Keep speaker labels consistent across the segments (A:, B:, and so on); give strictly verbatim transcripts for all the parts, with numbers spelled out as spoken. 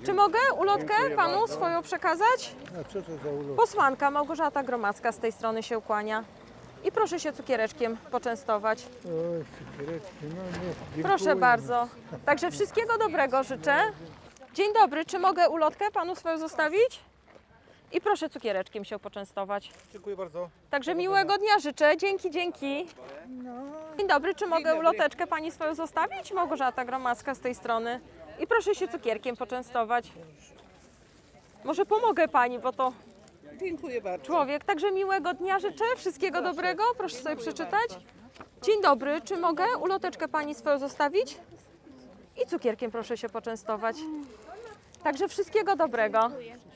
A: Czy mogę ulotkę panu swoją przekazać?
B: A co to za ulot?
A: Posłanka Małgorzata Gromacka z tej strony się ukłania. I proszę się cukiereczkiem poczęstować.
B: Oj, cukiereczki, no nie. Dziękuję.
A: Proszę bardzo. Także wszystkiego dobrego życzę. Dzień dobry, czy mogę ulotkę panu swoją zostawić? I proszę cukiereczkiem się poczęstować.
B: Dziękuję bardzo.
A: Także miłego dnia życzę. Dzięki, dzięki. Dzień dobry, czy mogę uloteczkę pani swoją zostawić? Małgorzata Gromacka z tej strony. I proszę się cukierkiem poczęstować. Może pomogę pani, bo to
C: Dziękuję bardzo.
A: człowiek. Także miłego dnia życzę. Wszystkiego dobrego. Proszę sobie przeczytać. Dzień dobry, czy mogę uloteczkę pani swoją zostawić? I cukierkiem proszę się poczęstować. Także wszystkiego dobrego.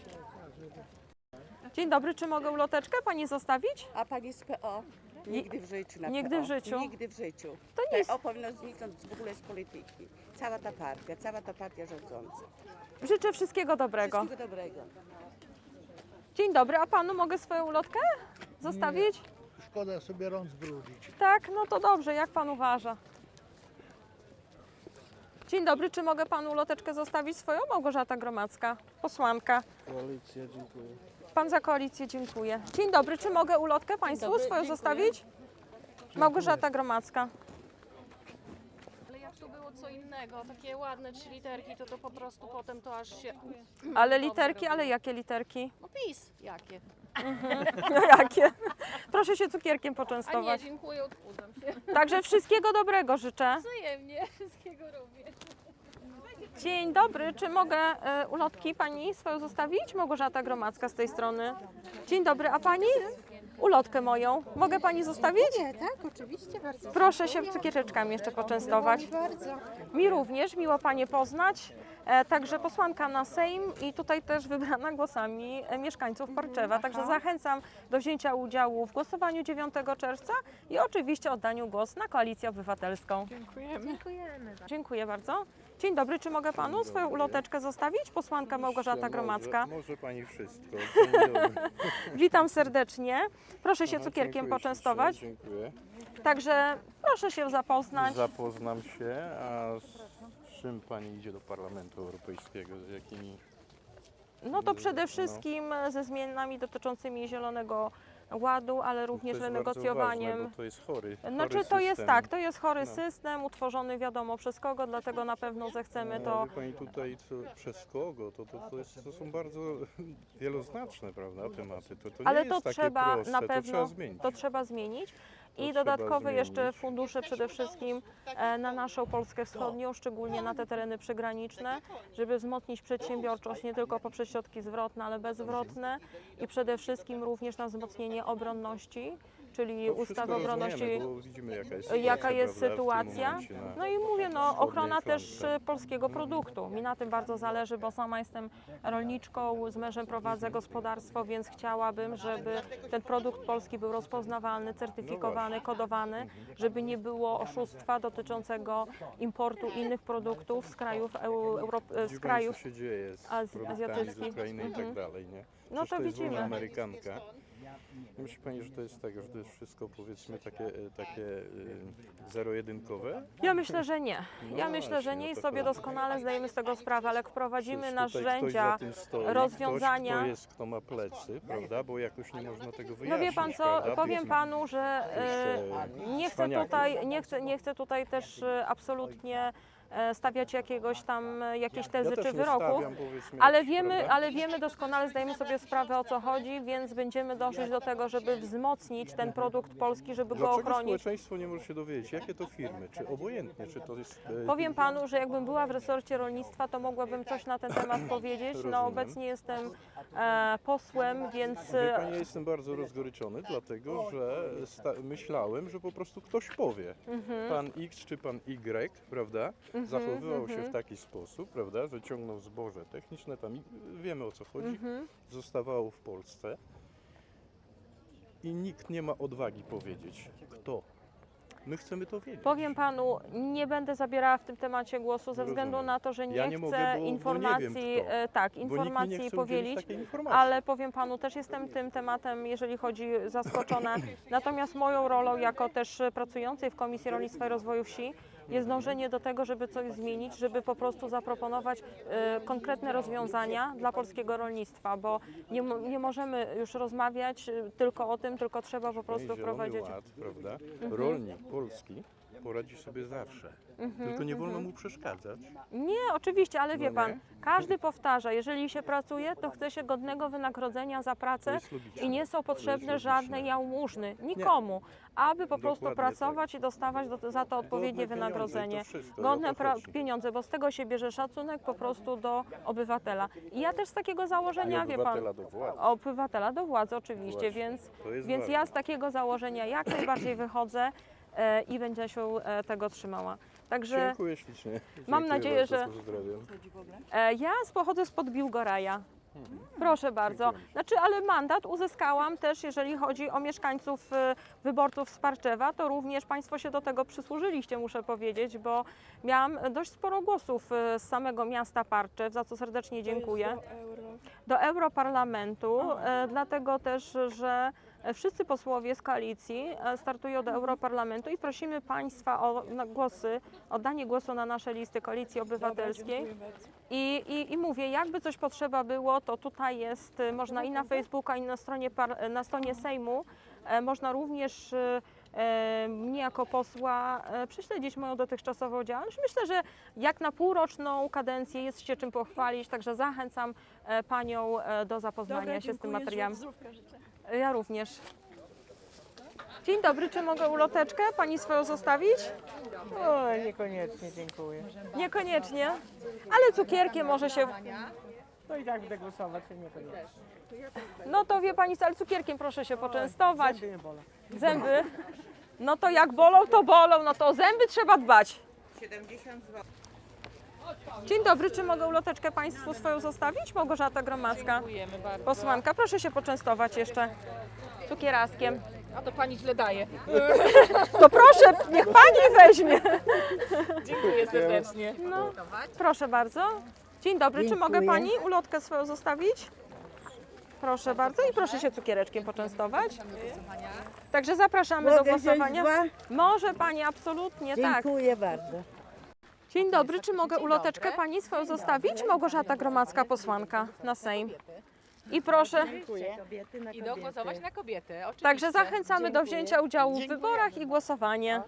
A: Dzień dobry, czy mogę uloteczkę pani zostawić?
C: A pani z P O? Nigdy w życiu na
A: Nigdy
C: P O.
A: w życiu?
C: Nigdy w życiu.
A: To nie jest-
C: P O powinno zniknąć w ogóle z polityki. Cała ta partia, cała ta partia rządząca.
A: Życzę wszystkiego dobrego.
C: Wszystkiego dobrego.
A: Dzień dobry, a panu mogę swoją ulotkę zostawić?
B: Szkoda sobie rąk zbrudzić.
A: Tak, no to dobrze, jak pan uważa. Dzień dobry, czy mogę panu uloteczkę zostawić swoją? Małgorzata Gromacka, posłanka.
B: Koalicja, dziękuję.
A: Pan za koalicję, dziękuję. Dzień dobry, czy mogę ulotkę państwu swoją zostawić? Małgorzata Gromacka.
D: Ale jak to było co innego, takie ładne trzy literki, to to po prostu potem to aż się...
A: Ale literki, ale jakie literki?
D: No PiS, jakie?
A: No jakie? Proszę się cukierkiem
D: A nie,
A: poczęstować.
D: dziękuję, odchudzam się.
A: Także wszystkiego dobrego życzę.
D: Wzajemnie, wszystkiego również.
A: Dzień dobry, czy mogę e, ulotki pani swoją zostawić? Małgorzata Gromacka z tej strony. Dzień dobry, a pani? Ulotkę moją. Mogę pani zostawić?
E: Nie, tak, oczywiście, bardzo.
A: Proszę się cukiereczkami jeszcze poczęstować.
E: Bardzo.
A: Mi również, miło panie poznać. E, także posłanka na Sejm i tutaj też wybrana głosami e, mieszkańców Parczewa. Także zachęcam do wzięcia udziału w głosowaniu dziewiątego czerwca i oczywiście oddaniu głosu na Koalicję Obywatelską.
E: Dziękujemy.
A: Dziękuję bardzo. Dzień dobry, czy mogę panu swoją uloteczkę zostawić? Posłanka Małgorzata Gromacka.
F: Może, może pani wszystko. Dzień dobry.
A: Witam serdecznie. Proszę się
F: Aha,
A: cukierkiem
F: dziękuję
A: poczęstować.
F: ślicznie, Dziękuję.
A: Także proszę się zapoznać.
F: Zapoznam się, a z czym pani idzie do Parlamentu Europejskiego? Z jakimi?
A: No to przede wszystkim ze zmianami dotyczącymi Zielonego Ładu, ale również
F: to jest
A: renegocjowaniem.
F: bardzo ważne, bo to jest chory,
A: Znaczy
F: chory
A: to jest
F: system.
A: tak, to jest chory
F: No.
A: system, utworzony wiadomo przez kogo, dlatego na pewno zechcemy to.
F: Ale pani tutaj co, przez kogo? To, to, to, jest, to są bardzo wieloznaczne, prawda, tematy. To, to nie
A: Ale
F: jest
A: to
F: takie
A: trzeba
F: proste.
A: na
F: To
A: pewno
F: trzeba zmienić.
A: to trzeba zmienić. I
F: trzeba
A: dodatkowe jeszcze
F: zmienić.
A: fundusze przede wszystkim e, na naszą Polskę Wschodnią, szczególnie na te tereny przygraniczne, żeby wzmocnić przedsiębiorczość nie tylko poprzez środki zwrotne, ale bezzwrotne i przede wszystkim również na wzmocnienie obronności, czyli
F: To
A: ustawy
F: wszystko
A: obronności.
F: rozumiemy, bo widzimy, jaka jest sytuacja,
A: Jaka jest
F: prawda, w tym
A: sytuacja?
F: momencie na
A: No i mówię, no
F: wschodniej
A: ochrona też
F: flance.
A: e, polskiego produktu. Mi na tym bardzo zależy, bo sama jestem rolniczką, z mężem prowadzę gospodarstwo, więc chciałabym, żeby ten produkt polski był rozpoznawalny, certyfikowany, kodowany, żeby nie było oszustwa dotyczącego importu innych produktów z krajów, eu, Euro, z
F: Widzi pani,
A: krajów.
F: co się dzieje z
A: az-
F: produktami
A: azjatyckich.
F: z Ukrainy i tak dalej, nie?
A: No
F: Przecież
A: to
F: to jest
A: widzimy.
F: wolna Amerykanka. Nie myśli pani, że to jest tak, że to jest wszystko powiedzmy takie, e, takie e, zero-jedynkowe?
A: Ja myślę, że nie. Ja
F: No
A: myślę, że
F: właśnie,
A: nie
F: o
A: i
F: to
A: sobie
F: chodzi.
A: doskonale zdajemy z tego sprawę, ale jak wprowadzimy
F: Przecież tutaj
A: narzędzia,
F: ktoś za tym stoi,
A: rozwiązania.
F: Ktoś, kto jest, kto ma plecy, prawda? Bo jakoś nie można tego wyjaśnić.
A: No wie pan co,
F: prawda?
A: powiem
F: Być-
A: panu, że e,
F: Jeszcze
A: nie chcę
F: cwaniaków.
A: tutaj, nie chcę, nie chcę tutaj też e, absolutnie e, stawiać jakiegoś tam e, jakiejś tezy
F: ja też
A: czy
F: nie
A: wyroków,
F: stawiam, powiedzmy,
A: ale
F: jakichś,
A: wiemy,
F: prawda?
A: ale wiemy doskonale, zdajemy sobie sprawę o co chodzi, więc będziemy dążyć do tego, żeby wzmocnić ten produkt polski, żeby go
F: Dlaczego
A: ochronić.
F: społeczeństwo nie może się dowiedzieć, jakie to firmy, czy obojętnie, czy to jest... e,
A: Powiem panu, że jakbym była w resorcie rolnictwa, to mogłabym coś na ten temat powiedzieć. No
F: Rozumiem.
A: obecnie jestem e, posłem, więc
F: Wie
A: e,
F: pani, ja jestem bardzo rozgoryczony, dlatego że sta- myślałem, że po prostu ktoś powie.
A: Mhm.
F: Pan X czy pan Y, prawda, zachowywał się w taki sposób, prawda, że ciągnął zboże techniczne, tam i- wiemy o co chodzi,
A: Mhm.
F: zostawało w Polsce i nikt nie ma odwagi powiedzieć, kto. My chcemy to wiedzieć.
A: powiem panu, nie będę zabierała w tym temacie głosu ze względu
F: Rozumiem.
A: na to, że nie
F: Ja nie
A: chcę
F: mogę, bo- bo nie
A: informacji,
F: wiem, kto.
A: e, tak,
F: Bo nikt mi nie
A: informacji
F: chce udzielić
A: powielić.
F: takiej informacji.
A: Ale powiem panu, też jestem tym tematem, jeżeli chodzi, zaskoczona. Natomiast moją rolą jako też pracującej w Komisji Rolnictwa i Rozwoju Wsi jest dążenie do tego, żeby coś zmienić, żeby po prostu zaproponować e, konkretne rozwiązania dla polskiego rolnictwa, bo nie, mo- nie możemy już rozmawiać e, tylko o tym, tylko trzeba po prostu
F: Zielony
A: wprowadzić.
F: Ład, prawda? Rolnik polski poradzi sobie zawsze. Tylko nie wolno mu przeszkadzać.
A: Nie, oczywiście, ale wie
F: No
A: pan,
F: nie?
A: każdy powtarza, jeżeli się pracuje, to chce się godnego wynagrodzenia za
F: To
A: pracę
F: jest logiczne.
A: i nie są potrzebne
F: logiczne.
A: żadne jałmużny, nikomu, aby po prostu
F: Dokładnie
A: pracować i dostawać do, za to odpowiednie
F: Godne
A: wynagrodzenie.
F: pieniądze i to wszystko,
A: Godne
F: o to
A: pra-
F: chodzi.
A: pieniądze, bo z tego się bierze szacunek po prostu do obywatela. I ja też z takiego
F: I
A: założenia, wie pan,
F: obywatela do władzy.
A: obywatela do władzy oczywiście,
F: Właśnie,
A: więc,
F: to jest
A: więc ja
F: ważne.
A: z takiego założenia jak najbardziej wychodzę e, i będę się e, tego trzymała. Także
F: Dziękuję ślicznie.
A: Mam
F: Dziękuję
A: nadzieję,
F: bardzo,
A: że-
F: pozdrawiam.
A: E, Ja z- pochodzę spod Biłgoraja. Proszę bardzo. Znaczy, ale mandat uzyskałam też, jeżeli chodzi o mieszkańców, e, wyborców z Parczewa, to również Państwo się do tego przysłużyliście, muszę powiedzieć, bo miałam dość sporo głosów e, z samego miasta Parczew, za co serdecznie dziękuję. Do Europarlamentu, e, dlatego też, że wszyscy posłowie z koalicji e, startują do Europarlamentu i prosimy Państwa o na głosy, o danie głosu na nasze listy Koalicji Obywatelskiej. I, i, I mówię, jakby coś potrzeba było, to tutaj jest, y, można i na Facebooka, i na stronie, par, na stronie Sejmu, e, można również e, e, mnie jako posła e, prześledzić moją dotychczasową działalność. Myślę, że jak na półroczną kadencję jest się czym pochwalić, także zachęcam e, Panią e, do zapoznania się z tym materiałem. Ja również. Dzień dobry, czy mogę uloteczkę Pani swoją zostawić?
G: O, niekoniecznie, dziękuję.
A: Niekoniecznie, ale cukierkiem może się...
G: No i tak będę głosować, to niekoniecznie.
A: No to wie Pani, co, ale cukierkiem proszę się poczęstować.
G: Zęby nie bolą.
A: Zęby? No to jak bolą, to bolą, no to o zęby trzeba dbać.
C: siedemdziesiąt złotych.
A: Dzień dobry, czy mogę uloteczkę Państwu swoją zostawić? Małgorzata Gromacka,
E: Dziękujemy bardzo.
A: posłanka. Proszę się poczęstować jeszcze cukieraskiem.
E: A to pani źle daje.
A: To proszę, niech Pani weźmie.
E: Dziękuję serdecznie.
A: No, proszę bardzo. Dzień dobry, czy mogę Pani ulotkę swoją zostawić? Proszę bardzo i proszę się cukiereczkiem poczęstować. Także zapraszamy do głosowania. Może Pani, absolutnie, tak.
H: Dziękuję bardzo.
A: Dzień dobry, czy mogę uloteczkę Pani swoją zostawić? Małgorzata Gromacka, posłanka na Sejm. I proszę,
E: I głosować na kobiety, oczywiście.
A: także zachęcamy do wzięcia udziału w wyborach i głosowanie.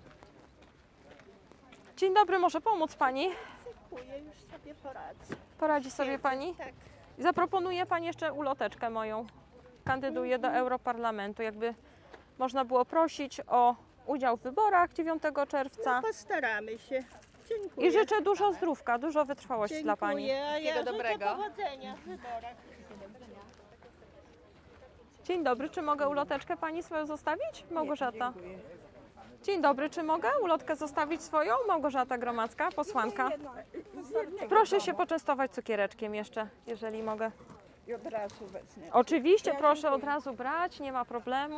A: Dzień dobry, może pomóc Pani?
C: Dziękuję, już sobie poradzę.
A: Poradzi sobie Pani?
C: Tak.
A: Zaproponuję Pani jeszcze uloteczkę moją. Kandyduję do Europarlamentu. Jakby można było prosić o udział w wyborach dziewiątego czerwca.
C: Postaramy się. Dziękuję.
A: I życzę dużo zdrówka, dużo wytrwałości dla Pani.
C: Dziękuję, a ja
E: Wszystkiego
C: życzę
E: dobrego.
C: powodzenia w wyborach.
A: Dzień dobry, czy mogę uloteczkę Pani swoją zostawić? Małgorzata. Dzień dobry, czy mogę ulotkę zostawić swoją? Małgorzata Gromacka, posłanka. Proszę się poczęstować cukiereczkiem jeszcze, jeżeli mogę.
C: I od razu wezmę.
A: Oczywiście, proszę od razu brać, nie ma problemu.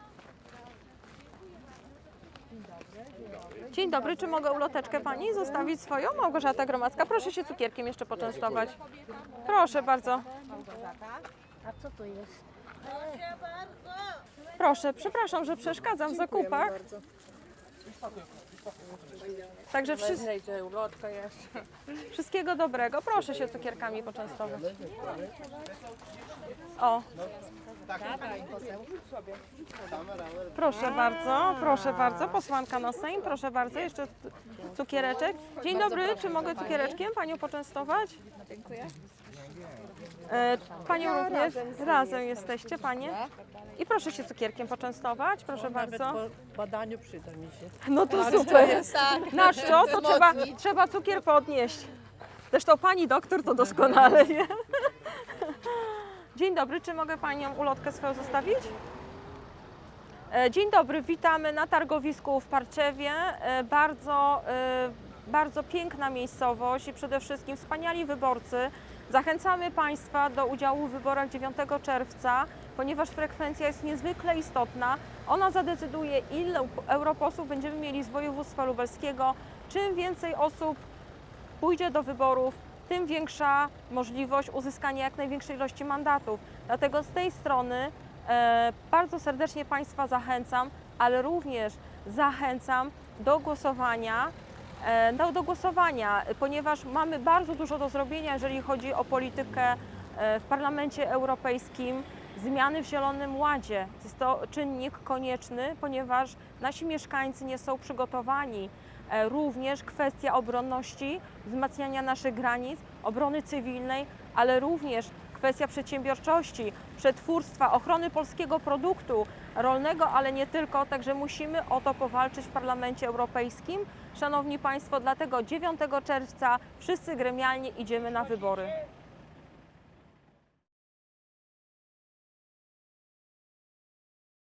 A: Dzień dobry, czy mogę uloteczkę Pani zostawić swoją? Małgorzata Gromacka, proszę się cukierkiem jeszcze poczęstować. Proszę bardzo.
H: A co to jest?
A: Proszę, przepraszam, że przeszkadzam w zakupach. Także wszyscy, wszystkiego dobrego. Proszę się cukierkami poczęstować. O. Proszę bardzo, proszę bardzo. Posłanka na Sejm, proszę bardzo. Jeszcze cu- cukiereczek. Dzień dobry, czy mogę cukiereczkiem Panią poczęstować? Dziękuję. Panią również. Razem jesteście Panie. I proszę się cukierkiem poczęstować, proszę bardzo.
G: Po badaniu przyda mi się.
A: No to super. Na co? To trzeba, trzeba cukier podnieść. Zresztą pani doktor to doskonale wie. Dzień dobry, czy mogę Panią ulotkę swoją zostawić? E, Dzień dobry, witamy na targowisku w Parczewie. E, Bardzo, e, bardzo piękna miejscowość i przede wszystkim wspaniali wyborcy. Zachęcamy Państwa do udziału w wyborach dziewiątego czerwca, ponieważ frekwencja jest niezwykle istotna. Ona zadecyduje, ile europosłów będziemy mieli z województwa lubelskiego. Czym więcej osób pójdzie do wyborów, tym większa możliwość uzyskania jak największej ilości mandatów. Dlatego z tej strony e, bardzo serdecznie Państwa zachęcam, ale również zachęcam do głosowania e, do, do głosowania, ponieważ mamy bardzo dużo do zrobienia, jeżeli chodzi o politykę e, w Parlamencie Europejskim, zmiany w Zielonym Ładzie. Jest to czynnik konieczny, ponieważ nasi mieszkańcy nie są przygotowani. E, Również kwestia obronności, wzmacniania naszych granic, obrony cywilnej, ale również kwestia przedsiębiorczości, przetwórstwa, ochrony polskiego produktu rolnego, ale nie tylko, także musimy o to powalczyć w Parlamencie Europejskim. Szanowni Państwo, dlatego dziewiątego czerwca wszyscy gremialnie idziemy na wybory.